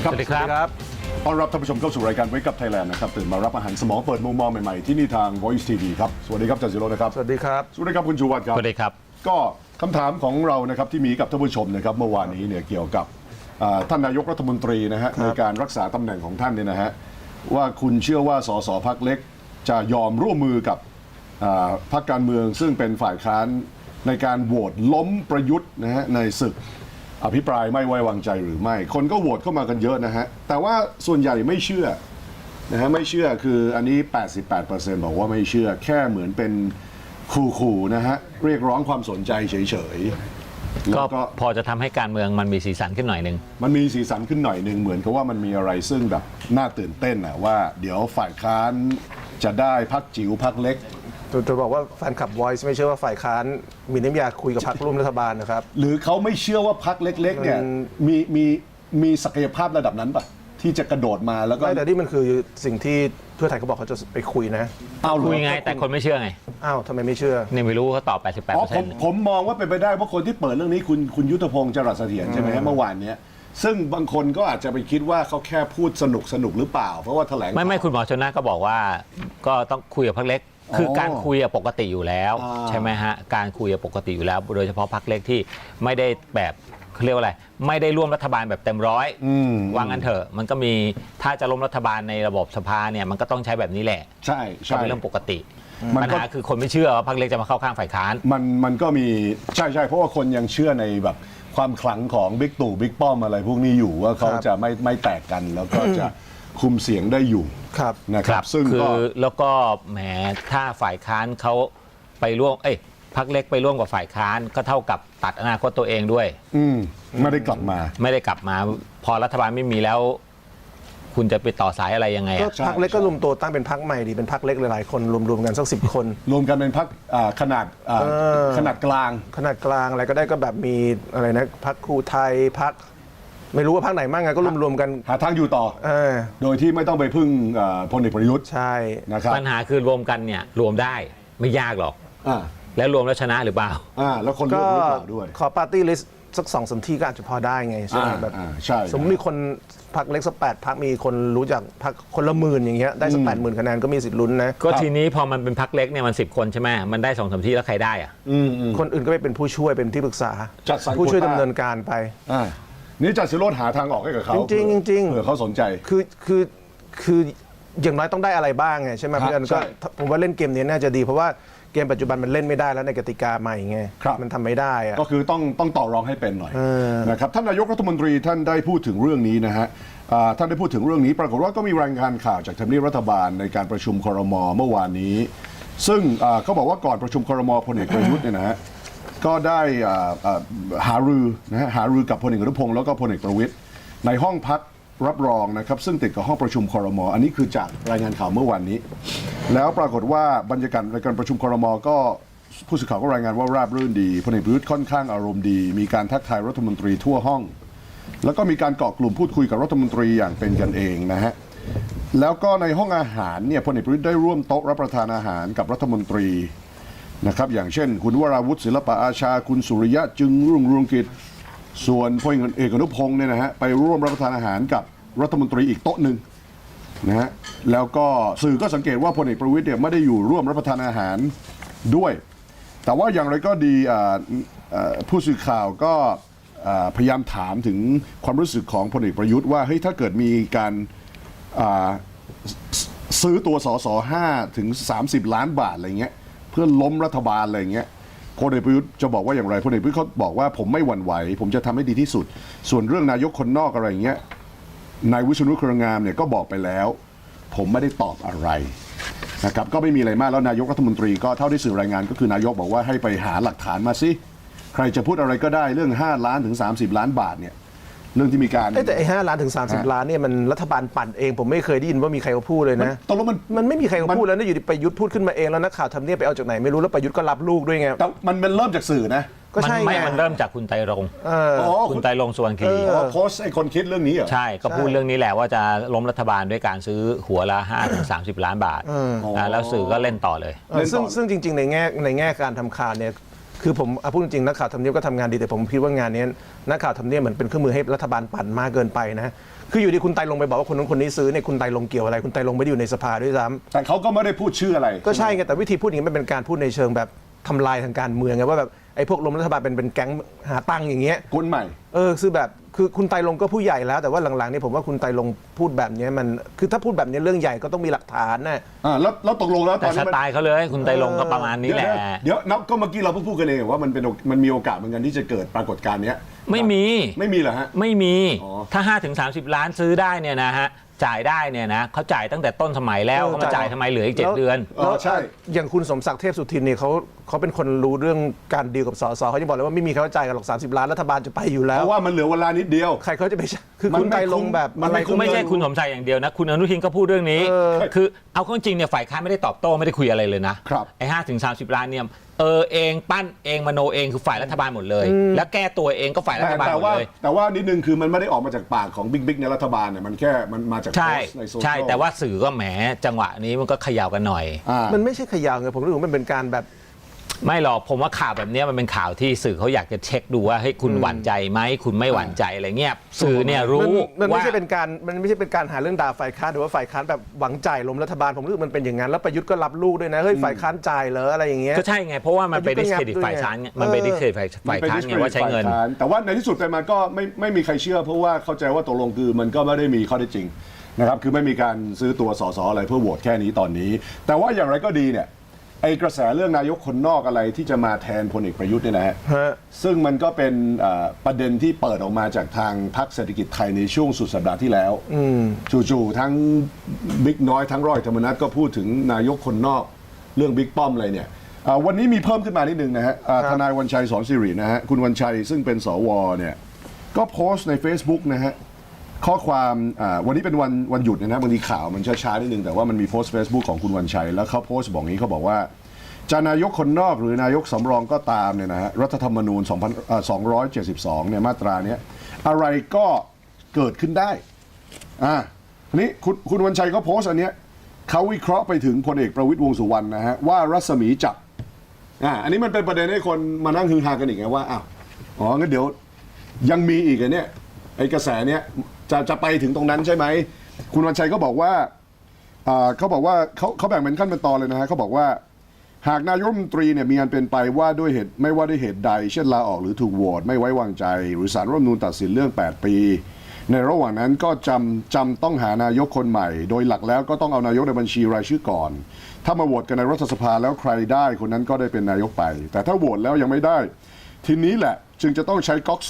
สวัสดีครับต้อนรับท่านผู้ชมเข้าสู่รายการ Wake Up Thailand นะครับตื่นมารับอาหารสมองเปิดมุมมองใหม่ๆที่นี่ทาง Voice TV ครับสวัสดีครับอาจารย์ศิโรจน์นะครับสวัสดีครับสวัสดีครับคุณชูวัฒน์ครับสวัสดีครับก็คำถามของเรานะครับที่มีกับท่านผู้ชมนะครับเมื่อวานนี้เนี่ยเกี่ยวกับท่านนายกรัฐมนตรีนะฮะในการรักษาตำแหน่งของท่านเนี่ยนะฮะว่าคุณเชื่อว่าสสพรรคเล็กจะยอมร่วมมือกับพรรคการเมืองซึ่งเป็นฝ่ายค้านในการโหวตล้มประยุทธ์นะฮะในศึกอภิปรายไม่ไว้วางใจหรือไม่คนก็โหวตเข้ามากันเยอะนะฮะแต่ว่าส่วนใหญ่ไม่เชื่อนะฮะไม่เชื่อคืออันนี้ 88% บอกว่าไม่เชื่อแค่เหมือนเป็นขู่ๆนะฮะเรียกร้องความสนใจเฉยๆแล้วก็พอจะทำให้การเมืองมันมีสีสันขึ้นหน่อยนึงมันมีสีสันขึ้นหน่อยนึงเหมือนกับว่ามันมีอะไรซึ่งแบบน่าตื่นเต้นนะว่าเดี๋ยวฝ่ายค้านจะได้พรรคจิ๋วพรรคเล็กจะบอกว่าแฟนคลับ Voice ไม่เชื่อว่าฝ่ายค้านมีน้ำยาคุยกับพรรคร่วมรัฐบาลนะครับหรือเขาไม่เชื่อว่าพรรคเล็กๆเนี่ยมีศักยภาพระดับนั้นปะที่จะกระโดดมาแล้วก็แต่นี่มันคือสิ่งที่เพื่อไทยเขาบอกเขาจะไปคุยนะคุยไงแต่คนไม่เชื่อไงอ้าวทำไมไม่เชื่อนี่ไม่รู้เขาตอบผมมองว่าเป็นไปได้เพราะคนที่เปิดเรื่องนี้คุณยุทธพงศ์จรัสเสถียรใช่ไหมฮะเมื่อวานนี้ซึ่งบางคนก็อาจจะไปคิดว่าเขาแค่พูดสนุกหรือเปล่าเพราะว่าแถลงไม่คุณหมอชนน่านก็บอกว่าก็ต้องคุยกับพรรคเล็กคือการคุยปกติอยู่แล้วใช่ไหมฮะการคุยปกติอยู่แล้วโดยเฉพาะพรรคเล็กที่ไม่ได้แบบเขาเรียกว่าอะไรไม่ได้ร่วมรัฐบาลแบบเต็มร้อยวางกันเถอะมันก็มีถ้าจะล้มรัฐบาลในระบบสภาเนี่ยมันก็ต้องใช้แบบนี้แหละใช่เป็นเรื่องปกติปัญหาคือคนไม่เชื่อว่าพรรคเล็กจะมาเข้าข้างฝ่ายค้านมันก็มีใช่เพราะว่าคนยังเชื่อในแบบความขลังของบิ๊กตู่บิ๊กป้อมอะไรพวกนี้อยู่ว่าเขาจะไม่แตกกันแล้วก็จะคุมเสียงได้อยู่นะครับซึ่งคือแล้วก็แหมถ้าฝ่ายค้านเขาไปร่วมพรรคเล็กไปร่วมกับฝ่ายค้านก็เท่ากับตัดอนาคตตัวเองด้วยไม่ได้กลับมาพอรัฐบาลไม่มีแล้วคุณจะไปต่อสายอะไรยังไงก็พรรคเล็กก็รวมตัวตั้งเป็นพรรคใหม่ดีเป็นพรรคเล็กหลายๆคนรวมกันสัก10 คนรวมกันเป็นพรรคขนาดกลางอะไรก็ได้ก็แบบมีอะไรนะพรรคครูไทยพรรคไม่รู้ว่าพรรคไหนมั่งไงก็รวมกันหาทางอยู่ต่อโดยที่ไม่ต้องไปพึ่งพลเอกประยุทธ์ใช่นะครับปัญหาคือรวมกันเนี่ยรวมได้ไม่ยากหรอกแล้วรวมแล้วชนะหรือเปล่าแล้วคนเลือกหรือเปล่าด้วยขอปาร์ตี้ลิสต์สัก2-3 ที่ก็อาจจะพอได้ไงใช่ไหมแบบสมมติมีคนพรรคเล็กสัก8 พรรคมีคนรู้จักพรรคคนละ10,000อย่างเงี้ยได้สัก80,000 คะแนนก็มีสิทธิ์ลุ้นนะก็ทีนี้พอมันเป็นพรรคเล็กเนี่ยมัน10 คนใช่ไหมมันได้2-3 ที่แล้วใครได้อ่ะคนอื่นก็ไปเป็นผู้ช่วยเป็นที่ปรึกษาผู้ช่วยดำเนินการไปนี่จัดสิโรจน์หาทางออกให้กับเขาจริงเผื่อเขาสนใจคืออย่างน้อยต้องได้อะไรบ้างไงใช่ไหมเพราะฉะนั้นก็ผมว่าเล่นเกมนี้น่าจะดีเพราะว่าเกมปัจจุบันมันเล่นไม่ได้แล้วในกติกาใหม่ไงมันทำไม่ได้ก็คือต้องต่อรองให้เป็นหน่อยนะครับท่านนายกรัฐมนตรีท่านได้พูดถึงเรื่องนี้นะฮะท่านได้พูดถึงเรื่องนี้ปรากฏว่าก็มีรายงานข่าวจากทำเนียบรัฐบาลในการประชุมครม.เมื่อวานนี้ซึ่งเขาบอกว่าก่อนประชุมครม.พลเอกประยุทธ์เนี่ยนะฮะก็ได้หารือกับพลเอกอนุพงศ์แล้วก็พลเอกประวิตรในห้องพักรับรองนะครับซึ่งติดกับห้องประชุมครม.อันนี้คือจากรายงานข่าวเมื่อวานนี้แล้วปรากฏว่าบรรยากาศในการประชุมครม.ก็ผู้สื่อข่าวก็รายงานว่าราบรื่นดีพลเอกประยุทธ์ค่อนข้างอารมณ์ดีมีการทักทายรัฐมนตรีทั่วห้องแล้วก็มีการเกาะกลุ่มพูดคุยกับรัฐมนตรีอย่างเป็นกันเองนะฮะแล้วก็ในห้องอาหารเนี่ยพลเอกประยุทธ์ได้ร่วมโต๊ะรับประทานอาหารกับรัฐมนตรีนะครับอย่างเช่นคุณวราวุฒิศิลปะอาชาคุณสุริยะจึงรุ่งเรืองกิจส่วนพลเอกอนุพงศ์เนี่ยนะฮะไปร่วมรับประทานอาหารกับรัฐมนตรีอีกโต๊ะหนึ่งนะฮะแล้วก็สื่อก็สังเกตว่าพลเอกประวิตรเนี่ยไม่ได้อยู่ร่วมรับประทานอาหารด้วยแต่ว่าอย่างไรก็ดีผู้สื่อข่าวก็พยายามถามถึงความรู้สึกของพลเอกประยุทธ์ว่าเฮ้ยถ้าเกิดมีการซื้อตัวสส5 ถึง 30 ล้านบาทอะไรเงี้ยเพื่อล้มรัฐบาลอะไรเงี้ยพลเอกประยุทธ์จะบอกว่าอย่างไรพลเอกประยุทธ์เขาบอกว่าผมไม่หวั่นไหวผมจะทำให้ดีที่สุดส่วนเรื่องนายกคนนอกอะไรเงี้ยนายวิษณุเครืองามเนี่ยก็บอกไปแล้วผมไม่ได้ตอบอะไรนะครับก็ไม่มีอะไรมากแล้วนายกรัฐมนตรีก็เท่าที่สื่อรายงานก็คือนายกบอกว่าให้ไปหาหลักฐานมาสิใครจะพูดอะไรก็ได้เรื่อง5 ล้านถึง30 ล้านบาทเนี่ยเรื่องที่มีการแต่5 ล้านถึง30 ล้านเนี่ยมันรัฐบาลปั่นเองผมไม่เคยได้ยินว่ามีใครเขาพูดเลยนะตกลงมันไม่มีใครเขาพูดแล้วนะอยู่ดีประยุทธ์พูดขึ้นมาเองแล้วนักข่าวทำเนียบไปเอาจากไหนไม่รู้แล้วประยุทธ์ก็รับลูกด้วยไงแต่มันเริ่มจากสื่อนะก็ใช่ไงมันเริ่มจากคุณไตรรงค์คุณไตรรงค์สุวรรณคีรีโพสต์ไอ้คนคิดเรื่องนี้เหรอใช่ก็พูดเรื่องนี้แหละว่าจะล้มรัฐบาลด้วยการซื้อหัวละ5 ถึง 30 ล้านบาทแล้วสื่อก็เล่นต่อเลยซึ่งจริงๆในแง่การทำข่าวเนี่ยคือผมพูดจริงๆนักข่าวทำเนียบก็ทำงานดีแต่ผมคิดว่างานนี้นักข่าวทำเนียบเหมือนเป็นเครื่องมือให้รัฐบาลปั่นมากเกินไปนะคืออยู่ดีคุณไตรรงค์ไปบอกว่าคนนั้นคนนี้ซื้อเนี่ยคุณไตรรงค์เกี่ยวอะไรคุณไตรรงค์ไม่ได้อยู่ในสภาด้วยซ้ำแต่เขาก็ไม่ได้พูดชื่ออะไรก็ใช่ไงแต่วิธีพูดอย่างนี้มันเป็นการพูดในเชิงแบบทำลายทางการเมืองไงว่าแบบไอ้พวกล้มรัฐบาลเป็นแก๊งหาตังค์อย่างเงี้ยคนใหม่คือแบบคือคุณไตรรงค์ก็ผู้ใหญ่แล้วแต่ว่าหลังๆนี่ผมว่าคุณไตรรงค์พูดแบบนี้มันคือถ้าพูดแบบนี้เรื่องใหญ่ก็ต้องมีหลักฐานนะแล้วตกลงแล้วตแต่อนสนี้มันไตล์เขาเลยคุณไตรรงค์ก็ประมาณนี้แหละเดี๋ยวนับก็เมื่อกี้เราเพิ่งพูดกันเองว่ามันมีโอกาสเหมือนกันที่จะเกิดปรากฏการณ์เนี้ยไม่มีเหรอฮะไม่มีอ๋อถ้า5 ถึง 30 ล้านซื้อได้เนี่ยนะฮะจ่ายได้เนี่ยนะเขาจ่ายตั้งแต่ต้นสมัยแล้วเขามาจ่ายทำไมเหลืออีก 7 เดือนแล้วใช่อย่างคุณสมศักดิ์เทพสุทินเนี่ยเขาเป็นคนรู้เรื่องการดีลกับสสเขาจะบอกเลยว่าไม่มีเขาจ่ายกันหรอก30 ล้านรัฐบาลจะไปอยู่แล้เพวราะว่ามันเหลือเวลานิดเดียวใครเขาจะไปคือมันคุณไม่ไตรรงค์แบบมันไม่อะไรคุ้ก็ไม่ใช่คุณสมชัยอย่างเดียวนะคุณอนุทินก็พูดเรื่องนี้ คือเอาเข้าจริงเนี่ยฝ่ายค้านไม่ได้ตอบโต้ไม่ได้คุยอะไรเลยนะครับ ไอ้5 ถึง 30 ล้านเนี่ยเองปั้นเองมโนเองคือฝ่ายรัฐบาลหมดเลย แล้วแก้ตัวเองก็ฝ่ายรัฐบาลหมดเลยแต่ว่านิดนึงคือมันไม่ได้ออกมาจากปากของบิ๊กในรัฐบาลเนี่ยมันแค่มันมาจากโพใช่สต์ในโซเชียลใช่แต่ว่าสื่อก็แหมจังหวะนี้มันก็เขย่ากันหน่อยมันไม่ใช่ขยาวไงผมรู้สึกว่ามันเป็นการแบบไม่หรอกผมว่าข่าวแบบเนี้ยมันเป็นข่าวที่สื่อเขาอยากจะเช็คดูว่าให้ยคุณหวั่นใจไหมคุณไม่หวั่นใจอะไรเงี้ยสื่อเนี่ยรู้มันไม่ว่าใช่เป็นการหาเรื่องด่าฝ่ายค้านหรือว่าฝ่ายค้านแบบหวังจ่ายล้มรัฐบาลผมรู้สึกมันเป็นอย่างนั้นแล้วประยุทธ์ก็รับลูกด้วยนะเฮ้ยฝ่ายค้านจ่ายเหรออะไรอย่างเงี้ยก็ใช่ไงเพราะว่ามันไปประดิยุทสธ์เครดิตก็งับฝ่ายค้านด้วยไงมันไปดิสเครดิตฝ่ายค้านไงว่าใช้เงินแต่ว่าในที่สุดไปมาก็ไม่มีใครเชื่อเพราะว่าเข้าใจว่าตกลงคือมันก็ไม่ได้มีข้อเท็จจริงนะครับคือไม่มีการซื้อตัวสสอะไรเพื่อโหวตแค่นี้ตอนนี้ แต่ว่าอย่างไรก็ดีเนี่ยไอ้กระแสเรื่องนายกคนนอกอะไรที่จะมาแทนพลเอกประยุทธ์เนี่ยนะฮะ ซึ่งมันก็เป็นประเด็นที่เปิดออกมาจากทางพรรคเศรษฐกิจไทยในช่วงสุดสัปดาห์ที่แล้วจู่ๆทั้งบิ๊กน้อยทั้งร้อยธรรมนัฐก็พูดถึงนายกคนนอกเรื่องบิ๊กป้อมอะไรเนี่ยวันนี้มีเพิ่มขึ้นมานิดนึงนะฮะทนายวันชัยสอนสิรินะฮะคุณวันชัยซึ่งเป็นสวเนี่ยก็โพสต์ใน Facebook นะฮะข้อความวันนี้เป็นวันหยุดนะบางทีข่าวมันช้าๆนิดนึงแต่ว่ามันมีโพสต์ Facebook ของคุณวันชัยแล้วเขาโพสต์บอกงี้เขาบอกว่าจะนายกคนนอกหรือนายกสำรองก็ตามเนี่ยนะฮะรัฐธรรมนูญ272เนี่ยมาตราเนี้ยอะไรก็เกิดขึ้นได้นี้คุณวันชัยเขาโพสต์อันเนี้ยเขาวิเคราะห์ไปถึงพลเอกประวิตรวงษ์สุวรรณนะฮะว่ารัศมีจับอันนี้มันเป็นประเด็นให้คนมานั่งฮือฮากันอีกไงว่างั้นเดี๋ยวยังมีอีกเนี่ยไอ้กระแสเนี้ยจะไปถึงตรงนั้นใช่ไหมคุณวันชัยก็บอกว่าเขาแบ่งเป็นขั้นเป็นตอนเลยนะฮะเขาบอกว่าหากนายกรัฐมนตรีเนี่ยมีอันเป็นไปว่าด้วยเหตุไม่ว่าด้วยเหตุใดเช่นลาออกหรือถูกโหวตไม่ไว้วางใจหรือศาลรัฐธรรมนูญตัดสินเรื่อง8ปีในระหว่างนั้นก็จำต้องหานายกคนใหม่โดยหลักแล้วก็ต้องเอานายกในบัญชีรายชื่อก่อนถ้ามาโหวตกันในรัฐสภาแล้วใครได้คนนั้นก็ได้เป็นนายกไปแต่ถ้าโหวตแล้วยังไม่ได้ทีนี้แหละจึงจะต้องใช้ก๊อก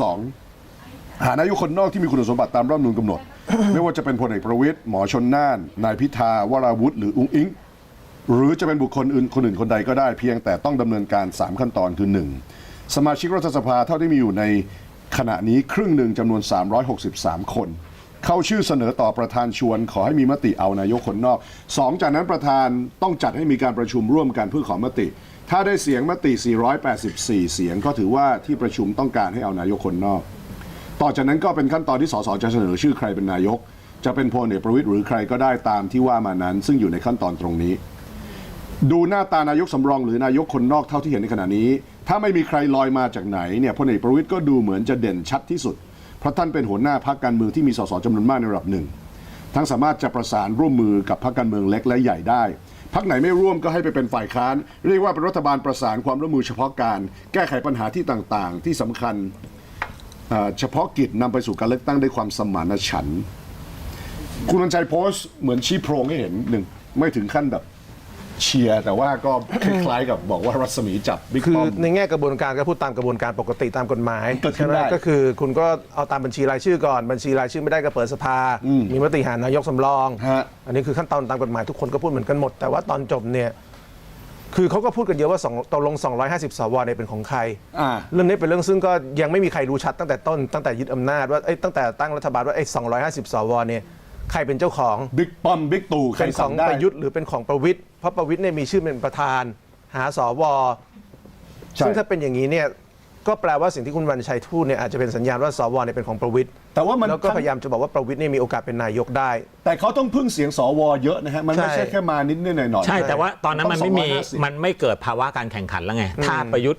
2หานายกคนนอกที่มีคุณสมบัติตามรัฐธรรมนูญกำหนด ไม่ว่าจะเป็นพลเอกประวิตรหมอชนน่านนายพิธาวราวุธหรืออุ๊งอิงหรือจะเป็นบุคคลอื่นคนใดก็ได้เพียงแต่ต้องดำเนินการ3ขั้นตอนคือ 1. สมาชิกรัฐสภาเท่าที่มีอยู่ในขณะนี้ครึ่งหนึ่งจำนวน363คนเข้าชื่อเสนอต่อประธานชวนขอให้มีมติเอานายกคนนอก 2. จากนั้นประธานต้องจัดให้มีการประชุมร่วมกันเพื่อขอมติถ้าได้เสียงมติ484เสียงก็ถือว่าที่ประชุมต้องการให้เอานายกคนนอกต่อจากนั้นก็เป็นขั้นตอนที่สสจะเสนอชื่อใครเป็นนายกจะเป็นพลเอกประวิตรหรือใครก็ได้ตามที่ว่ามานั้นซึ่งอยู่ในขั้นตอนตรงนี้ดูหน้าตานายกสำรองหรือนายกคนนอกเท่าที่เห็นในขณะนี้ถ้าไม่มีใครลอยมาจากไหนเนี่ยพลเอกประวิตรก็ดูเหมือนจะเด่นชัดที่สุดเพราะท่านเป็นหัวหน้าพรรคการเมืองที่มีสสจำนวนมากในระดับหนึ่งทั้งสามารถจะประสานร่วมมือกับพรรคการเมืองเล็กและใหญ่ได้พรรคไหนไม่ร่วมก็ให้ไปเป็นฝ่ายค้านเรียกว่าเป็นรัฐบาลประสานความร่วมมือเฉพาะการแก้ไขปัญหาที่ต่างๆที่สำคัญเฉพาะกิจนำไปสู่การเลือกตั้งด้วยความสมานฉันท์คุณวันชัยโพสต์เหมือนชี้โพรงให้เห็นหนึ่งไม่ถึงขั้นแบบเชียร์แต่ว่าก็คล้ายๆกับบอกว่ารัศมีจับบิ๊กคือป้อมในแง่กระบวนการก็พูดตามกระบวนการปกติตามกฎหมายเกิดขึ้ใช่นไหมได้ก็คือคุณก็เอาตามบัญชีรายชื่อก่อนบัญชีรายชื่อไม่ได้ก็เปิดสภามีมติหานายกสำรอง อันนี้คือขั้นตอนตามกฎหมายทุกคนก็พูดเหมือนกันหมดแต่ว่าตอนจบเนี่ยคือเขาก็พูดกันเยอะว่าตกลง250 สวเนี่ยเป็นของใครเรื่องนี้เป็นเรื่องซึ่งก็ยังไม่มีใครรู้ชัดตั้งแต่ต้นตั้งแต่ยึดอำนาจว่าตั้งแต่ตั้งรัฐบาลว่าไอ้250 สวเนี่ยใครเป็นเจ้าของบิ๊กป้อมบิ๊กตู่ใครเป็นขสั่อง งได้ประยุทธ์หรือเป็นของประวิตรเพราะประวิตรเนี่ยมีชื่อเป็นประธานหาสวซึ่งถ้าเป็นอย่างนี้เนี่ยก็แปลว่าสิ่งที่คุณวันชัยพูดเนี่ยอาจจะเป็นสัญญาณว่าสวเนี่ยเป็นของประวิตรแต่ว่ามันแล้วก็พยายามจะบอกว่าประวิตรเนี่ยมีโอกาสเป็นนายกได้แต่เขาต้องพึ่งเสียงสวเยอะนะฮะมันไม่ใช่แค่มานิดหน่อยๆใช่แต่ว่าตอนนั้นมันไม่มี 250 มันไม่เกิดภาวะการแข่งขันแล้วไงถ้าประยุทธ์หมด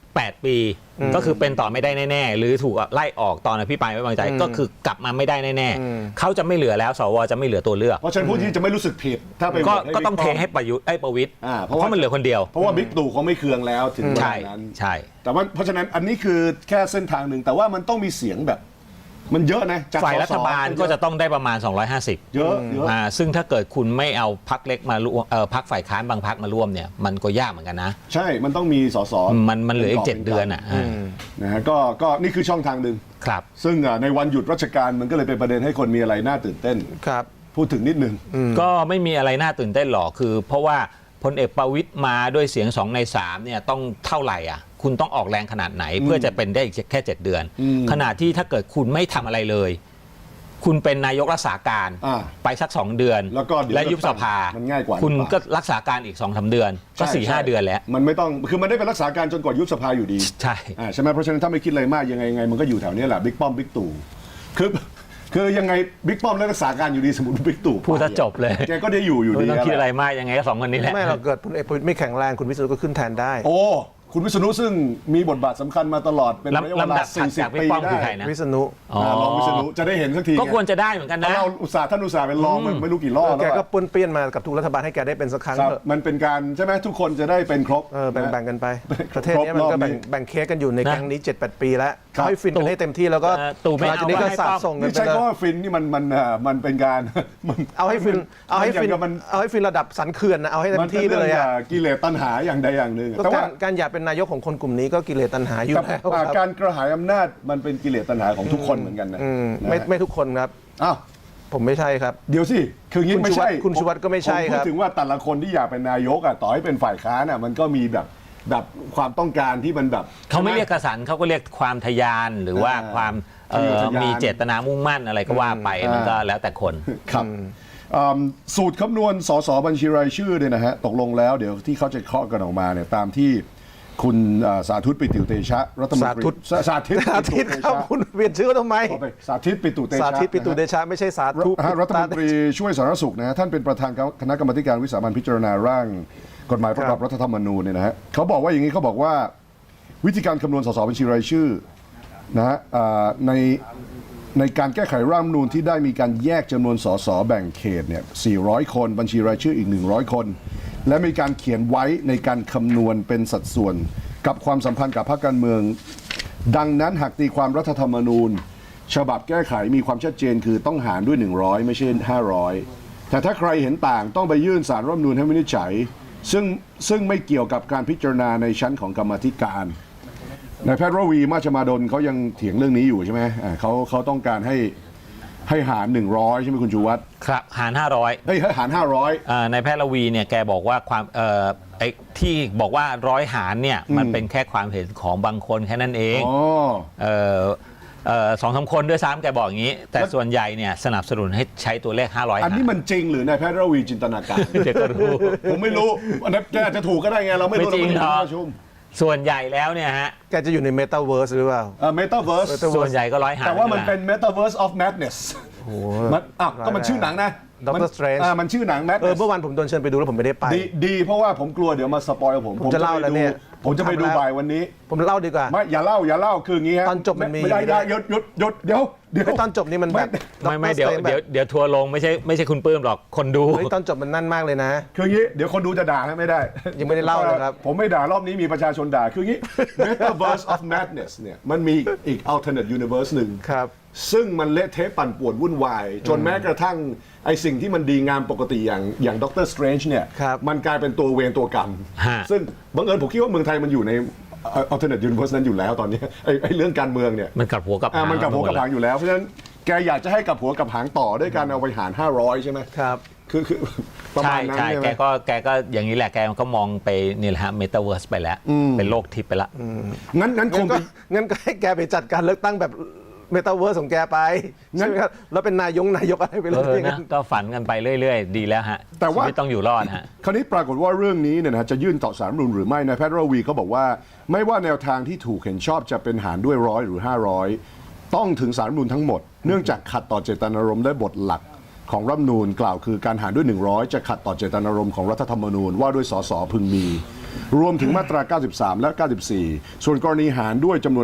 8 ปีก็คือเป็นต่อไม่ได้แน่ๆหรือถูกไล่ออกตอนอภิปรายไม่ไว้วางใจก็คือกลับมาไม่ได้แน่ๆเขาจะไม่เหลือแล้วสวจะไม่เหลือตัวเลือกเพราะฉะนั้นผู้ที่จะไม่รู้สึกผิดถ้าไปโหวตให้ก็ต้องเทบิ๊ป้มให้ประวิตรเพราะว่าเพราะมันเหลือคนเดียวเพราะว่าบิ๊กตู่เขาไม่เคืองแล้วถึงเวใช่ลานั้นใช่แต่ว่าเพราะฉะนั้นอันนี้คือแค่เส้นทางหนึ่งแต่ว่ามันต้องมีเสียงแบบ มันเยอะนะจากฝ่ายสสรัฐบาลก็จะต้องได้ประมาณ 250 เยอะเยอะซึ่งถ้าเกิดคุณไม่เอาพรรคเล็กมาร่วมพรรคฝ่ายค้านบางพรรคมาร่วมเนี่ยมันก็ยากเหมือนกันนะใช่มันต้องมีสสมันเหลืออีก 7 เดือนอ่ะนะฮะก็นี่คือช่องทางหนึ่งครับซึ่งในวันหยุดราชการมันก็เลยเป็นประเด็นให้คนมีอะไรน่าตื่นเต้นครับพูดถึงนิดหนึ่งก็ไม่มีอะไรน่าตื่นเต้นหรอกคือ เพราะว่าพลเอกประวิตรมาด้วยเสียง2 ใน 3เนี่ยต้องเท่าไหร่อ่ะคุณต้องออกแรงขนาดไหนเพื่อจะเป็นได้อีกแค่ 7 เดือน ขณะที่ถ้าเกิดคุณไม่ทำอะไรเลย คุณเป็นนายกรักษาการ ไปสัก2 เดือนแล้วก็เดี๋ยวและยุบสภามันง่ายกว่าคุณก็รักษาการอีก 2-3 เดือนก็ใช่ 4-5 เดือนแล้วมันไม่ต้องคือมันได้เป็นรักษาการจนกว่ายุบสภาอยู่ดีใช่ใช่ไหมเพราะฉะนั้นถ้าไม่คิดอะไรมากยังไงมันก็อยู่แถวนี้แหละบิ๊กป้อมบิ๊กตู่คือยังไงบิ๊กป้อมและรักษาการอยู่ดีสมมติบิ๊กตู่พูดซะจบเลยแกก็ได้อยู่ไม่ดีต้องคิดอะไรแหละมากยังไงก็2 คนนี้แหละไม่เราเกิดพลเอกประวิตรไม่แข็งแรงคุณวิษณุก็ขึ้นแทนได้โอ้คุณวิษณุซึ่งมีบทบาทสำคัญมาตลอดเป็นระยะเวลำลาดับถัดจาก 40 บิ๊ปีกป้อมได้คือใครนะวิษณุรองวิษณุจะได้เห็นสักทีก็ควรจะได้เหมือนกันเพราะนะเราท่านอุตส่าห์เป็นรองมันไม่รู้กี่รอบแกแล้วก็อะป้วนเปี้ยนมากับทุกรัฐบาลให้แกได้เป็นสักครั้งครับเถอะมันเป็นการใช่ไหมทุกคนจะได้เป็นครบแบ่งกันไป ประเทศนี้ครบมันก็รอบนี้แบ่งเค้กกันอยู่ในนะแก๊งนี้ 7-8 ปีแล้วครับให้ฟินกันให้เต็มที่แล้วก็ตู่ไม่เอาหลังจากนี้ก็ให้สาป้ดอมส่งกันนี่ไปใช้เลยคำว่าฟินนี่มันเป็นการมันเอาให้ฟินเอาให้ฟินมันเอาให้ฟินระดับสันเขื่อนนะเอาให้เต็มัมนที่ไปเลยป็นอะรื่องกิเลสตัณหาอย่างใดอย่างหนึ่งก็แต่ว่าการอยากเป็นนายกของคนกลุ่มนี้ก็กิเลสตัณหาอยู่กับแล้วครับการกระหายอำนาจมันเป็นกิเลสตัณหาของทุกคนเหมือนกันนะไม่ทุกคนครับอ้าวผมไม่ใช่ครับเดี๋ยวสิคืออย่างนี้ไม่ใช่คุณชูวัฒน์ก็ไม่ใช่ผมคพูรัดบถึงว่าแต่ละคนที่อยากเป็นนายกอ่ะต่อให้เป็นฝ่ายค้านอ่ะมันก็มีแบบความต้องการที่มันแบบเขาไม่เรียกกระสันเขาก็เรียกความทะยานหรือว่าความทะเยอทะยานมีเจตนามุ่งมั่นอะไรก็ว่าไปมันก็แล้วแต่คนครับสูตรคำนวณสสบัญชีรายชื่อเนี่ยนะฮะตกลงแล้วเดี๋ยวที่เขาจะเคาะกันออกมาเนี่ยตามที่คุณสาธุปิตุเตชะรัฐมนตรีสาธิตสาธิตครับคุณเปลี่ยนชื่อทำไมขอไปสาธิตปิตุเตชะสาธิตปิตุเดชะไม่ใช่สาธุรัฐมนตรีช่วยสาธารณสุขนะฮะท่านเป็นประธานคณะกรรมาธิการวิสามัญพิจารณาร่างกฎหมายประกอบรัฐธรรมนูญเนี่ยนะฮะเขาบอกว่าอย่างนี้เขาบอกว่าวิธีการคำนวณสสบัญชีรายชื่อนะฮะในการแก้ไขร่างรัฐธรรมนูญที่ได้มีการแยกจำนวนสสแบ่งเขตเนี่ย400 คนบัญชีรายชื่ออีก100 คน และมีการเขียนไว้ในการคำนวณเป็นสัดส่วนกับความสัมพันธ์กับพรรคการเมืองดังนั้นหากตีความรัฐธรรมนูญฉบับแก้ไขมีความชัดเจนคือต้องหารด้วย100ไม่ใช่500แต่ถ้าใครเห็นต่างต้องไปยื่นศาลรัฐธรรมนูญให้วินิจฉัยซึ่งไม่เกี่ยวกับการพิจารณาในชั้นของกรรมาธิการนายแพทย์ระวีมาชมาดลเขายังเถียงเรื่องนี้อยู่ใช่ไหมเขาต้องการให้หาร100ใช่ไหมคุณชูวัฒน์ครับหาร 500 ให้หาร500 ในายแพทย์ระวีเนี่ยแกบอกว่าความไอ้ที่บอกว่า100 หารเนี่ยมันเป็นแค่ความเห็นของบางคนแค่นั้นเอง 2-3 คนด้วยซ้ำแกบอกอย่างนี้ แต่ส่วนใหญ่เนี่ยสนับสนุนให้ใช้ตัวเลข500 อันนี้มันจริงหรือนายแพทย์ระวีจินตนาการเดี๋ยวก็รู้ผมไม่รู้อันนั้นแกอาจจะถูกก็ได้ไงเราไม่รู้ไม่จริงเราหรอกประชุมส่วนใหญ่แล้วเนี่ยฮะแกจะอยู่ในเมตาเวิร์สหรือเปล่าเมตาเวิร์สส่วนใหญ่ก็100 หารแต่ว่ามันแหละเป็น Metaverse of Madness มันก็มันชื่อหนังนะ Doctor Strange มันชื่อหนัง Madness เมื่อวานผมโดนเชิญไปดูแล้วผมไม่ได้ไปดีเพราะว่าผมกลัวเดี๋ยวมาสปอยผมผมจะเล่าแล้วเนี่ยผมจะไปดูผมทำแล้วบ่ายวันนี้ผมเล่าดีกว่าไม่อย่าเล่าคืออย่างงี้ฮะตอนจบมันมีไม่ได้หยุดเดี๋ยวไอ้ตอนจบนี่มันแบบไม่เดี๋ยว Doctor Strange แบบเดี๋ยวทัวร์ลงไม่ใช่คุณปื้มหรอกคนดูเฮ้ยตอนจบมันนั่นมากเลยนะคืออย่างงี้เดี๋ยวคนดูจะด่าให้ไม่ได้ยังไม่ได้เล่าเลยครับผมไม่ด่ารอบนี้มีประชาชนด่าคืออย่างงี้ Metaverse of Madness เนี่ยมันมีอีก alternate universe หนึ่งครับซึ่งมันเละเทะปั่นป่วนวุ่นวาย จนแม้กระทั่งไอสิ่งที่มันดีงามปกติอย่างด็อกเตอร์สเตรนจ์เนี่ยครับมันกลายเป็นตัวเวรตัวกรรมฮะซึ่งบังเอิญผมคิดว่าเมืองไทยมันอยู่ใน alternate universe นั้นอยู่แล้วตอนนี้ไอเรื่องการเมืองเนี่ยมันกลับหัวกลับหางมันกับหัวกับหางอยู่แล้วเพราะฉะนั้นแกอยากจะให้กับหัวกับหางต่อด้วยการเอาไปหาร500ใช่ไหมครับคือประมาใช่ณนั้นใช่ใช่ไหมแกก็อย่างนี้แหละแกก็มองไปนี่แหละฮะเมตาเวิร์สไปแล้ว เป็นโลกทิพย์ไปแล้วงั้นคงเป็นงั้นก็ให้แกไปจัดการเลือกตั้งแบบเมตาเวิร์สของแกไปใช่ไหมครับแล้วเป็นนายกอะไรไปเลยนะก็ฝันกันไปเรื่อยๆ ดีแล้วฮะแต่ว่าชีวิตต้องอยู่รอดฮะคราวนี้ปรากฏว่าเรื่องนี้เนี่ยนะจะยื่นต่อศาลรัฐธรรมนูญหรือไม่นายแพทย์ระวีเขาบอกว่าไม่ว่าแนวทางที่ถูกเห็นชอบจะเป็นหารด้วย100หรือ500ต้องถึงศาลรัฐธรรมนูญทั้งหมดเนื่องจากขัดต่อเจตนารมณ์และบทหลักของรัฐธรรมนูญกล่าวคือการหารด้วย 100 จะขัดต่อเจตนารมณ์ของรัฐธรรมนูญว่าด้วยสสพึงมี รวมถึงมาตรา 93 และ 94 ส่วนกรณีหารด้วยจำนวน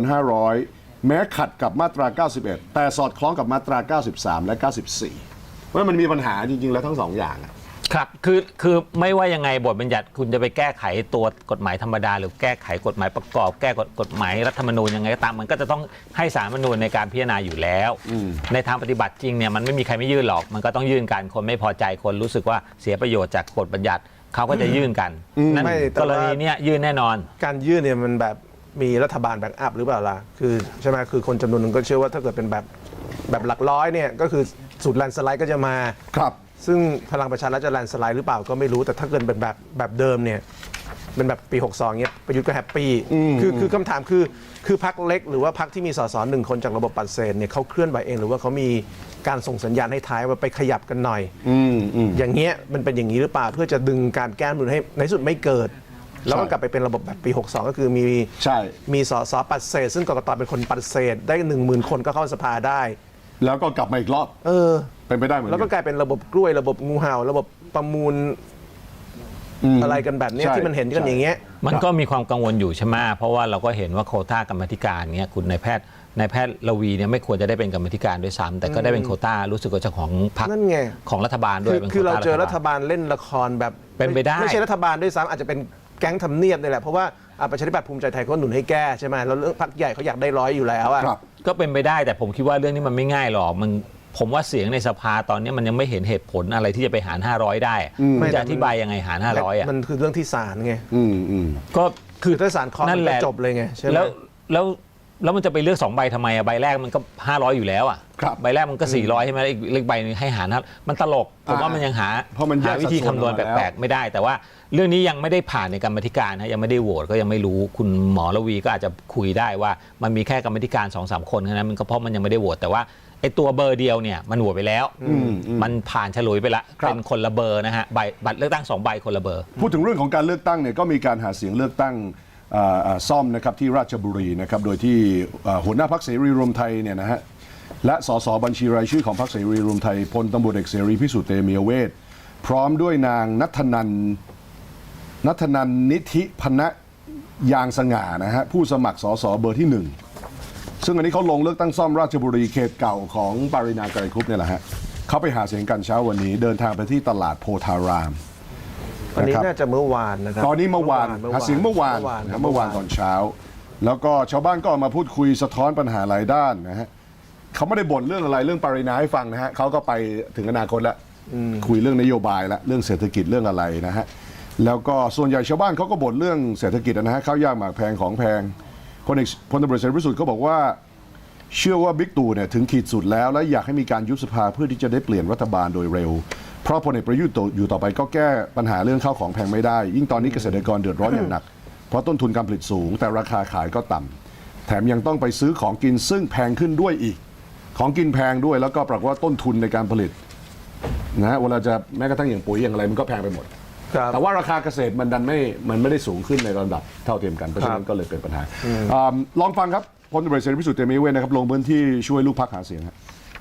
500 แม้ขัดกับมาตรา 91 แต่สอดคล้องกับมาตรา 93 และ 94 เพราะมันมีปัญหาจริงๆแล้วทั้งสองอย่างอะครับคือไม่ว่ายังไงบทบัญญัติคุณจะไปแก้ไขตัวกฎหมายธรรมดาหรือแก้ไขกฎหมายประกอบแก้กฎหมายรัฐธรรมนูญยังไงก็ตามมันก็จะต้องให้ศาลรัฐธรรมนูญในการพิจารณาอยู่แล้วในทางปฏิบัติจริงเนี่ยมันไม่มีใครไม่ยื่นหรอกมันก็ต้องยื่นกันคนไม่พอใจคนรู้สึกว่าเสียประโยชน์จากบทบัญญัติเขาก็จะยื่นกันนั่นไม่แต่กว่ารณีเนี้ยยื่นแน่นอนการยื่นเนี่ยมันแบบมีรัฐบาลแบ็กอัพหรือเปล่าล่ะคือใช่ไหมคือคนจำนวนหนึ่งก็เชื่อว่าถ้าเกิดเป็นแบบหลักร้อยเนี่ยก็คือสูตรแลนด์สไลด์ก็จะมาครับซึ่งพลังประชารัฐจะแลนด์สไลด์หรือเปล่าก็ไม่รู้แต่ถ้าเกิดเป็นแบบเดิมเนี่ยเป็นแบบปี 62เนี่ยประยุทธ์ก็แฮปปี้คือคำถามคือพรรคเล็กหรือว่าพรรคที่มีสสหนึ่งคนจากระบบปัดเศษเนี่ยเขาเคลื่อนไหวเองหรือว่าเขามีการส่งสัญญาณให้ท้ายว่าไปขยับกันหน่อยอย่างเงี้ยมันเป็นอย่างนี้หรือเปล่าเพื่อจะดึงการแก้รัฐธรรมนูญให้ในที่สุดไม่เกิด แล้วก็กลับไปเป็นระบบแบบปี 62 ก็คือมีใช่มีสสปัดเศษซึ่งกกตเป็นคนปัดเศษได้ 10,000 คนก็เข้าสภาได้แล้วก็กลับมาอีกรอบ เป็นไปได้เหมือนแล้วก็กันกลายเป็นระบบกล้วยระบบงูเห่าระบบประมูลอะไรกันแบบเนี้ยใช่ที่มันเห็นกันอย่างเงี้ยมันก็มีความกังวลอยู่ใช่ไหมเพราะว่าเราก็เห็นว่าโควต้ากรรมาธิการเนี้ยคุณนายแพทย์ระวีเนี่ยไม่ควรจะได้เป็นกรรมาธิการด้วยซ้ำแต่ก็ได้เป็นโควต้ารู้สึกว่าจะของพรรคนั่นไงของรัฐบาลด้วยป็นคือเราโควต้เจอรัฐบาลเล่นละครแบบเป็นไปได้ไม่ใช่รัฐบาลด้วยซ้ำอาจจะเป็นแก๊งทำเนียบนี่แหละเพราะว่าประชาธิปัตย์ภูมิใจไทยเขาหนุนให้แก้ใช่ไหมแล้วเรื่องพรรคใหญ่เขาอยากได้100อยู่แล้วอะครับก็เป็นไปได้แต่ผมคิดว่าเรื่องนี้มันไม่ง่ายหรอกผมว่าเสียงในสภาตอนนี้มันยังไม่เห็นเหตุผลอะไรที่จะไปหาร 500 ได้มันจะอธิบายยังไงหาร 500อ่ะมันคือเรื่องที่ศาลไงก็คือถ้าศาลเคาะนั่มัน นแหก็ละจบเลยไงใช่ไหมแล้วมันจะไปเลือก2ใบทำไมอ่ะใบแรกมันก็500อยู่แล้วอ่ะครับใบแรกมันก็400ใช่ไหมอีกเลขใบนึงให้หารนะมันตลกผมว่ามันยังหาเพราะมันแยกวิธีสัดส่วนคำนวณออกมาแล้วแปลกๆไม่ได้ แต่ว่าเรื่องนี้ยังไม่ได้ผ่านในกรรมาธิการนะยังไม่ได้โหวตก็ยังไม่รู้คุณหมอระวีก็อาจจะคุยได้ว่ามันมีแค่กรรมาธิการ 2-3 คนแค่นั้นมันก็เพราะมันยังไม่ได้โหวตแต่ว่าไอ้ตัวเบอร์เดียวเนี่ยมันโหวตไปแล้วมันผ่านฉลุยไปละครับเป็นคนละเบอร์นะฮะบัตรเลือกตั้ง2ใบคนละเบอร์พูดถึงเรื่องของการเลือกตั้งเนี่ยก็มีการหาเสียงเลือกตั้งซ่อมนะครับที่ราชบุรีนะครับโดยที่หัวหน้าพรรคเสรีรวมไทยเนี่ยนะฮะและสสบัญชีรายชื่อของพรรคเสรีรวมไทยพลตำรวจเอกเสรีพิสุทธิ์เตมียเวทพร้อมด้วยนางนัทนันนิธิพนะยางสง่านะฮะผู้สมัครสสเบอร์ที่ 1ซึ่งอันนี้เขาลงเลือกตั้งซ่อมราชบุรีเขตเก่าของปารินาไกรคุปเนี่ยแหละฮะเขาไปหาเสียงกันเช้าวันนี้เดินทางไปที่ตลาดโพธารามอันนี้นะครับน่าจะเมื่อวานนะครับตอนนี้เมื่อวานหาเสียงเมื่อวานนะเมื่อวานตอนเช้า แล้วก็ชาวบ้านก็ออกมาพูดคุยสะท้อนปัญหาหลายด้านนะฮะเขาไม่ได้บ่นเรื่องอะไรเรื่องปรินาให้ฟังนะฮะเขาก็ไปถึงอนาคตแล้วคุยเรื่องนโยบายแล้วเรื่องเศรษฐกิจเรื่องอะไรนะฮะแล้วก็ส่วนใหญ่ชาวบ้านเขาก็บ่นเรื่องเศรษฐกิจนะฮะข้าวยากหมากแพงของแพงพลตำรวจเสรีพิสุทธิ์เขาบอกว่าเชื่อว่าบิ๊กตู่เนี่ยถึงขีดสุดแล้วและอยากให้มีการยุบสภาเพื่อที่จะได้เปลี่ยนรัฐบาลโดยเร็ว เพราะพลเอกประยุทธ์อยู่ต่อไปก็แก้ปัญหาเรื่องข้าวของแพงไม่ได้ ยิ่งตอนนี้เกษตรกรเดือดร้อนอย่างหนัก เพราะต้นทุนการผลิตสูง แต่ราคาขายก็ต่ำแถมยังต้องไปซื้อของกินซึ่งแพงขึ้นด้วยอีก ของกินแพงด้วยแล้วก็ปรากฏว่าต้นทุนในการผลิตนะฮะเวลาจะแม้กระทั่งอย่างปุ๋ยอย่างอะไรมันก็แพงไปหมดครับแต่ว่าราคาเกษตรมันไม่ได้สูงขึ้นในระดับเท่าเทียมกันเพราะฉะนั้นก็เลยเป็นปัญหาลองฟังครับพลตำรวจเสรีพิสุทธิ์เตมียเวทนะครับลงพื้นที่ช่วยลูกพรรคหาเสียงครับ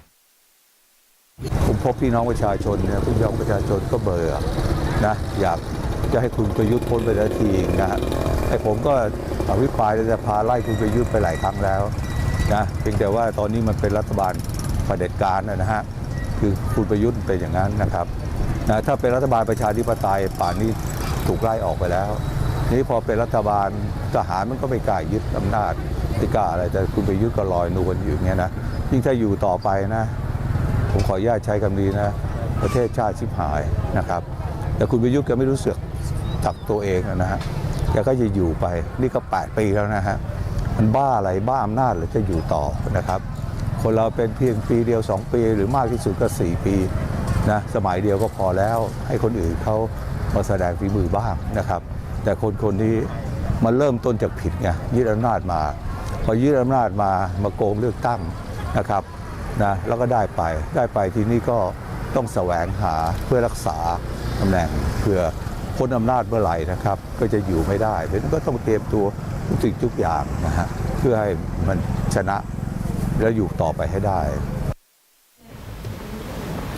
ผมพบพี่น้องประชาชนเนี่ยพี่น้องประชาชนก็เบื่อนะอยากจะให้คุณประยุทธ์พ้นไปสักทีนะฮะไอ้ผมก็อภิปรายในสภาไล่คุณประยุทธ์ไปหลายครั้งแล้วนะเพียงแต่ว่าตอนนี้มันเป็นรัฐบาลเผด็จการนะฮะคือคุณประยุทธ์เป็นอย่างนั้นนะครับนะถ้าเป็นรัฐบาลประชาธิปไตยป่านนี้ถูกไล่ออกไปแล้วนี้พอเป็นรัฐบาลทหารมันก็ไม่กล้ายึดอำนาจไม่กล้าอะไรแต่คุณประยุทธ์ก็ลอยนวลอยู่อย่างเงี้ยนะยิ่งถ้าอยู่ต่อไปนะผมขออนุญาตใช้คำนี้นะประเทศชาติชิบหายนะครับแต่คุณประยุทธ์แกไม่รู้สึกจากตัวเองนะฮะแกก็จะอยู่ไปนี่ก็8 ปีแล้วนะฮะมันบ้าอะไรบ้าอำนาจหรือจะอยู่ต่อนะครับคนเราเป็นเพียงปีเดียว2 ปีหรือมากที่สุดก็4 ปีนะสมัยเดียวก็พอแล้วให้คนอื่นเขามาแสดงฝีมือบ้างนะครับแต่คนนี้มันเริ่มต้นจากผิดไงยึดอำนาจมาพอยึดอำนาจมาโกงเลือกตั้งนะครับนะแล้วก็ได้ไปทีนี้ก็ต้องแสวงหาเพื่อรักษาตำแหน่งเพื่อพ้นอำนาจเมื่อไหร่นะครับก็จะอยู่ไม่ได้ดังนั้นก็ต้องเตรียมตัวทุกสิ่งทุกอย่างนะฮะเพื่อให้มันชนะแล้วอยู่ต่อไปให้ได้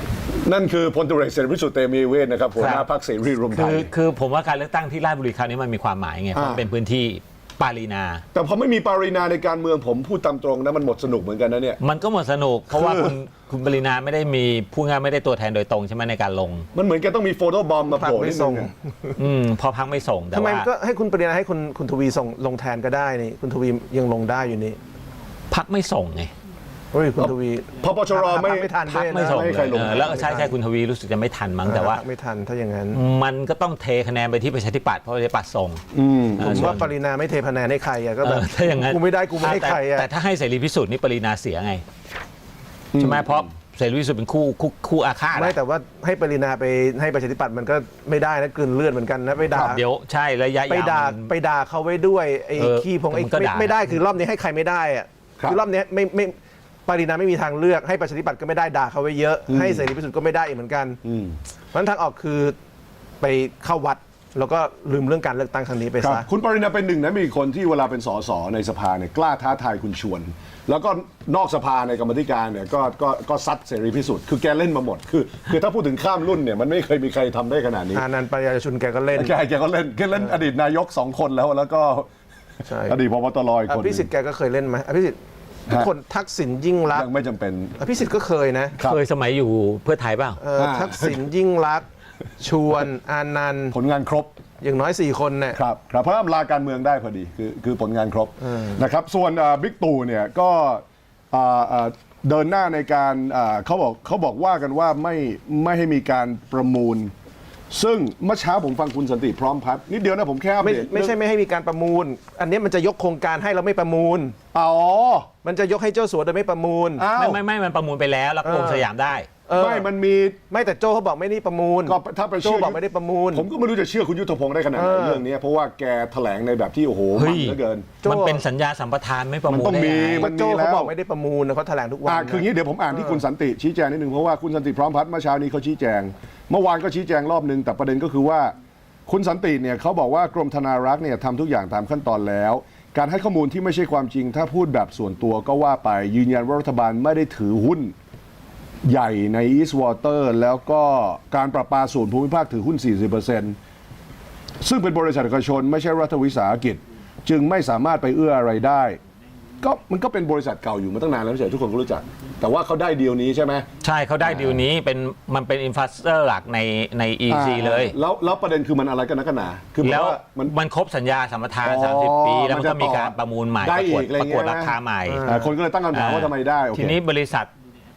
นั่นคือพลตำรวจเอกเสรีพิสุทธิ์เตมียเวทนะครับหัวหน้าพรรคเสรีรวมไทยคือผมว่าการเลือกตั้งที่ราชบุรีคราวนี้มันมีความหมายไงเพราะมันเป็นพื้นที่ปารีนาแต่พอไม่มีปารีนาในการเมืองผมพูดตามตรงนะมันหมดสนุกเหมือนกันนะเนี่ยมันก็หมดสนุกเพราะว่าคุณปรินาไม่ได้มีผู้งานไม่ได้ตัวแทนโดยตรงใช่ไหมในการลงมันเหมือนแกต้องมีโฟโต้บอมมาโผล่นิดนึงอะพอพักไม่ส่งแต่ทำไมว่าก็ให้คุณปรินาให้คุณทวีส่งลงแทนก็ได้นี่คุณทวียังลงได้อยู่นี่พักไม่ส่งไงเฮ้ยคุณทวีพปชรไม่ไม่ทันพักด้วยไม่นะส่งไม่ให้ใครลงแล้วใช่คุณทวีรู้สึกจะไม่ทันมั้งแต่ว่าไม่ทันถ้าอย่างนั้นมันก็ต้องเทคะแนนไปที่ประชาธิปัตย์เพราะประชาธิปัตย์ส่งผมว่าปรินาไม่เทคะแนนให้ใครอะก็แบบถ้าอย่างนั้นกูไม่ได้กูไม่ให้ใครอะแต่ถ้าให้เสรีพิสุทธิ์นี่ปรินาเสียไงใช่ไหมเพราะเสรีพิสุทธิ์เป็นคู่อาฆาตไม่แต่ว่าให้ปรินาไปให้ประชาธิปัตย์มันก็ไม่ได้นะกลืนเลือดเหมือนกันนะไปด่าเดี๋ยวใช่ระยะไปยาวด่ามันไปด่าเขาไว้ด้วยไอ้เออขี้พงไอ้มันก็ด่าไม่ได้คือรอบนี้ให้ใครไม่ได้อะครับคือรอบนี้ไม่ปรินาไม่มีทางเลือกให้ประชาธิปัตย์ก็ไม่ได้ด่าเขาไว้เยอะให้เสรีพิสุทธิ์ก็ไม่ได้อีกเหมือนกันเพราะฉะนั้นทางออกคือไปเข้าวัดแล้วก็ลืมเรื่องการเลือกตั้งครั้งนี้ไปครับซะคุณปรินาเป็นหนึ่งนะมีคนที่เวลาเป็นสสในสภาเนี่ยกล้าท้าทายคุณชวน แล้วก็นอกสภาในกรรมาธิการเนี่ยก็ซัดเสรีพิสุทธิ์คือแกเล่นมาหมดคือถ้าพูดถึงข้ามรุ่นเนี่ยมันไม่เคยมีใครทำได้ขนาดนี้อานันต์ปัญญาชุนแกก็เล่นแกก็เล่นอดีตนายก2 คนแล้วก็ใช่อดีตพบตรอีกอคนหภินึ่งสิทธิ์แกก็เคยเล่นไหมอภิสิทธิ์ทุกคนทักษิณยิ่งรักษยังณ์ไม่จำเป็นอภิสิทธิ์ก็เคยนะครับเคยสมัยอยู่เพื่อไทยเปล่าทักษิณยิ่งรักษณ์ชวนอานันต์ผลงานครบอย่างน้อย4 คนเนี่ยครับเพราะว่าลาการเมืองได้พอดีคือผลงานครบนะครับส่วนบิ๊กตู่เนี่ยก็เดินหน้าในการเขาบอกว่ากันว่าไม่ให้มีการประมูล ซึ่งเมื่อเช้าผมฟังคุณสันติพร้อมพัฒน์นิดเดียวนะผมแค่อัปไม่เดตไม่ใช่ไม่ให้มีการประมูล อันนี้มันจะยกโครงการให้เราไม่ประมูลอ๋อมันจะยกให้เจ้าสัวโดยไม่ประมูลอ้าวไม่มันประมูลไปแล้วแล้วก็วงสยามได้ไม่มันมีไม่แต่โจ้เขาบอกไม่ได้ประมูลก็ถ้าไปโจ้เชื่อบอกไม่ได้ประมูลผมก็ไม่รู้จะเชื่อคุณยุทธพงศ์ได้ขนาดไหนเรื่องนี้เพราะว่าแกแถลงในแบบที่โอ้โหเฮ้มันยเหลือเกินโจ้มันเป็นสัญญาสัมปทานไม่ประมูลมันต้องได้มีไงมันโจ้แล้เขาวบอกไม่ได้ประมูลนะเขาแถลงทุกวันคืองี้เดี๋ยวผมอ่านที่คุณสันติชี้แจงนิดนึงเพราะว่าคุณสันติพร้อมพัฒน์เมื่อเช้านี้เขาชี้แจง เมื่อวานก็ชี้แจงรอบนึงแต่ประเด็นก็คือว่าคุณสันติเนี่ยเขาบอกว่ากรมธนารักษ์เนี่ยทำทุกอย่างตามขั้นตอนแล้ว การให้ข้อมูลที่ไม่ใช่ความจริง ถ้าพูดแบบส่วนตัวก็ว่าไปยืนยันว่ารัฐบาลไม่ได้ถือหุ้นใหญ่ใน East Water แล้วก็การประปาส่วนภูมิภาคถือหุ้น 40%ซึ่งเป็นบริษัทเอกชนไม่ใช่รัฐวิสาหกิจ จึงไม่สามารถไปเอื้ออะไรได้ก็มันก็เป็นบริษัทเก่าอยู่มาตั้งนานแล้วไม่ใช่ทุกคนก็รู้จัก แต่ว่าเขาได้ดีลนี้ใช่ไหมใช่เขาได้ดีลนี้มันเป็นอินฟราสตรักเจอร์หลักใน EC เลยแล้วประเด็นคือมันอะไรกันนักกันหนาคือผมแล้วว่ามันมันครบสัญญาสัมปทานอ๋อ 30 ปี แล้วมันมันจะก็มีการประมูลใหม่ได้ประกวดอีกอะไรประกวดเงี้ยนะราคาใหม่คนก็เลยตั้งคำถามว่าทำไมได้โอเคทีนี้บริษัท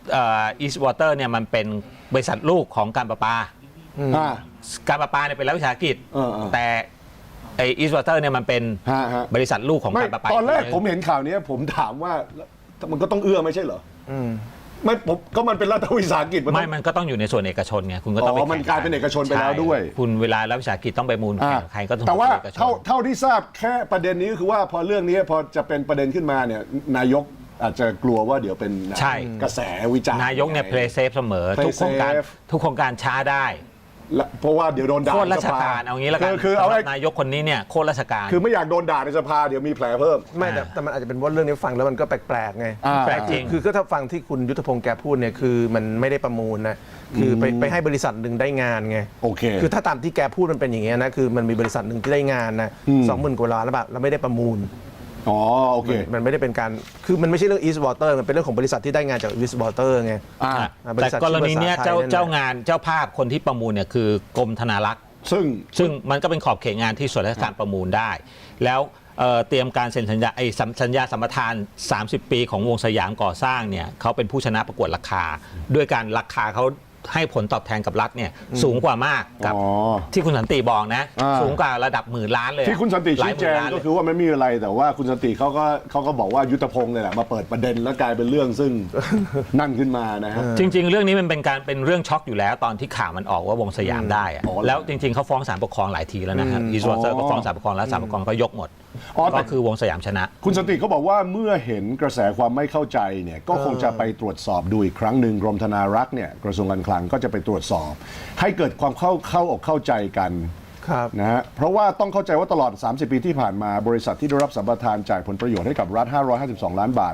East Water เนี่ยมันเป็นบริษัทลูกของการประปาอ่าการประปาเนี่ยเป็นรัฐวิสาหกิจเออแต่ไอ East Water เนี่ยมันเป็นฮะบริษัทลูกของไม่การประปาตอนแรกผมเห็นข่าวนี้ผมถามว่ามันก็ต้องเอื้อไม่ใช่เหรอไม่ผมก็มันเป็นรัฐวิสาหกิจมันต้ไม่องมันก็ต้องอยู่ในส่วนเอกชนไงคุณก็ต้องไปมันกลายเป็นเอกชนไปแล้วใช่ด้วยคุณเวลารัฐวิสาหกิจต้องไปมูลแข่งใครก็ต้องแต่ว่าเอกชนเท่าที่ทราบแค่ประเด็นนี้ก็คือว่าพอเรื่องนี้พอจะเป็นประเด็นขึ้นมาเนี่ยนายกอาจจะกลัวว่าเดี๋ยวเป็นใช่กระแสวิจารณ์นายกเนี่ย play safe เสมอ play ทุกโครงการ safe ทุกโครงการช้าได้และเพราะว่าเดี๋ยวโดนด่าโคตรราชในสภการเอางี้แล้วกันคือเอาสำหไว้รับนายกคนนี้เนี่ยโคตรราชการคือไม่อยากโดนด่าในสภาเดี๋ยวมีแผลเพิ่มไม่แต่มันอาจจะเป็นว่าเรื่องนี้ฟังแล้วมันก็แปลกๆไงแปลกจริงคือก็ถ้าฟังที่คุณยุทธพงศ์แกพูดเนี่ยคือมันไม่ได้ประมูลนะคือไปให้บริษัทหนึ่งได้งานไงโอเคคือถ้าตามที่แกพูดมันเป็นอย่างเงี้ยนะคือมันมีบริษัทหนึ่งที่ได้งานนะ20,000 กว่าล้านแล้วแบบแล้วไม่ได้ประมูลอ๋อโอเคมันไม่ได้เป็นการคือมันไม่ใช่เรื่อง East Water มันเป็นเรื่องของบริษัทที่ได้งานจาก East Water ไงอ่าบริแต่ษัทกรณีเนี้ยชื่อภาษาไทยนั่นน่ะเจ้างานเจ้าภาพคนที่ประมูลเนี่ยคือกรมธนารักษ์ ซึ่งมันก็เป็นขอบเขตงานที่ส่วนราชการประมูลได้ แล้วเตรียมการเซ็นสัญญาสัญญาสัมปทาน 30 ปีของวงสยามก่อสร้างเนี่ยเขาเป็นผู้ชนะประกวดราคา ด้วยการราคาเขาให้ผลตอบแทนกับรัฐเนี่ยสูงกว่ามากกับอ๋อที่คุณสันติบอกนะอ่าสูงกว่าระดับหมื่นล้านเลยที่คุณสันติหลาชี้ยหแจมื่นงล้านก็เลยคือว่าไม่มีอะไรแต่ว่าคุณสันติเขาก็บอกว่ายุทธพงศ์เลยแหละมาเปิดประเด็นแล้วกลายเป็นเรื่องซึ่ง นั่นขึ้นมานะฮะจริง ๆ เรื่องนี้มันเป็นเรื่องช็อกอยู่แล้วตอนที่ข่าวมันออกว่าวงสยามได้อะอ๋อแล้วจริง ๆเขาฟ้องศาลปกครองหลายทีแล้วนะครับอีสวอเตอร์ก็ฟ้องศาลปกครองแล้วศาลปกครองก็ยกหมดอ๋อแต่ก็คือวงสยามชนะคุณสันติเขาบอกว่าเมื่อเห็นกระแสความไม่เข้าใจเนี่ยก็คงจะไปตรวจสอบดูอีกครั้งหนึ่งกรมธนารักษ์เนี่ยกระทรวงการคลังก็จะไปตรวจสอบ ให้เกิดความเข้าอกเข้าใจกันครับนะฮะเพราะว่าต้องเข้าใจว่าตลอด 30 ปีที่ผ่านมาบริษัทที่ได้รับสัมปทานจ่ายผลประโยชน์ให้กับรัฐ 552 ล้านบาท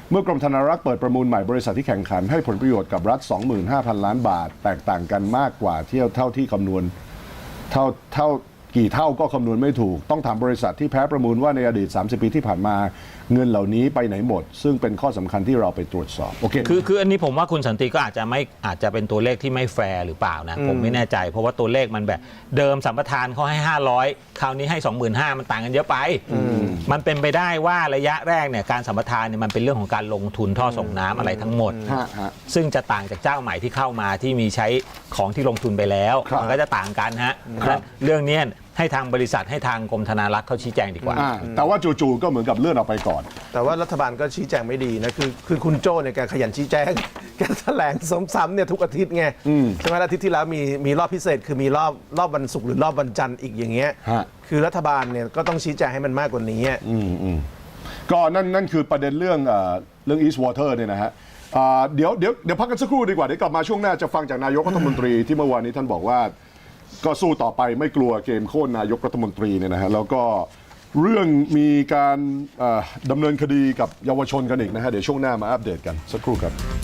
เมื่อกรมธนารักษ์เปิดประมูลใหม่บริษัทที่แข่งขันให้ผลประโยชน์กับรัฐ 25,000 ล้านบาท แตกต่างกันมากกว่าเท่าที่คำนวณเท่ากี่เท่าก็คำนวณไม่ถูกต้องถามบริษัทที่แพ้ประมูลว่าในอดีต 30 ปีที่ผ่านมาเงินเหล่านี้ไปไหนหมด ซึ่งเป็นข้อสำคัญที่เราไปตรวจสอบโอเคคืออันนี้ผมว่าคุณสันติก็อาจจะเป็นตัวเลขที่ไม่แฟร์หรือเปล่านะผมไม่แน่ใจเพราะว่าตัวเลขมันแบบเดิมสัมปทานเขาให้ 500 คราวนี้ให้ 25,000 มันต่างกันเยอะไปมันเป็นไปได้ว่าระยะแรกเนี่ยการสัมปทานเนี่ยมันเป็นเรื่องของการลงทุนท่อส่งน้ำอะไรทั้งหมด ซึ่งจะต่างจากเจ้าใหม่ที่เข้ามาที่มีใช้ของที่ลงทุนไปแล้วครับมันก็จะต่างกันฮะและเรื่องเนี้ยให้ทางบริษัทให้ทางกรมธนารักษ์เขาชี้แจงดีกว่าแต่ว่าจู่ๆก็เหมือนกับเลื่อนออกไปก่อนแต่ว่ารัฐบาลก็ชี้แจงไม่ดีนะคือคุณโจ้เนี่ยแกขยันชี้แจง แกแถลงซ้ำๆเนี่ยทุกอาทิตย์ไงใช่ไหมอาทิตย์ที่แล้วมีรอบพิเศษคือมีรอบวันศุกร์หรือรอบวันจันทร์อีกอย่างเงี้ยฮะคือรัฐบาลเนี่ยก็ต้องชี้แจงให้มันมากกว่านี้ก็นั่นคือประเด็นเรื่องEast Water เนี่ยนะฮะเดี๋ยวพักกันสักครู่ดีกว่าเดี๋ยวกลับมาช่วงหน้าจะฟังจากนายกรัฐมนตรีที่เมื่อวานนี้ท่านบอกว่าก็สู้ต่อไปไม่กลัวเกมโค่นนายกรัฐมนตรีเนี่ยนะฮะแล้วก็เรื่องมีการดำเนินคดีกับเยาวชนกันอีกนะฮะเดี๋ยวช่วงหน้ามาอัปเดตกันสักครู่ครับ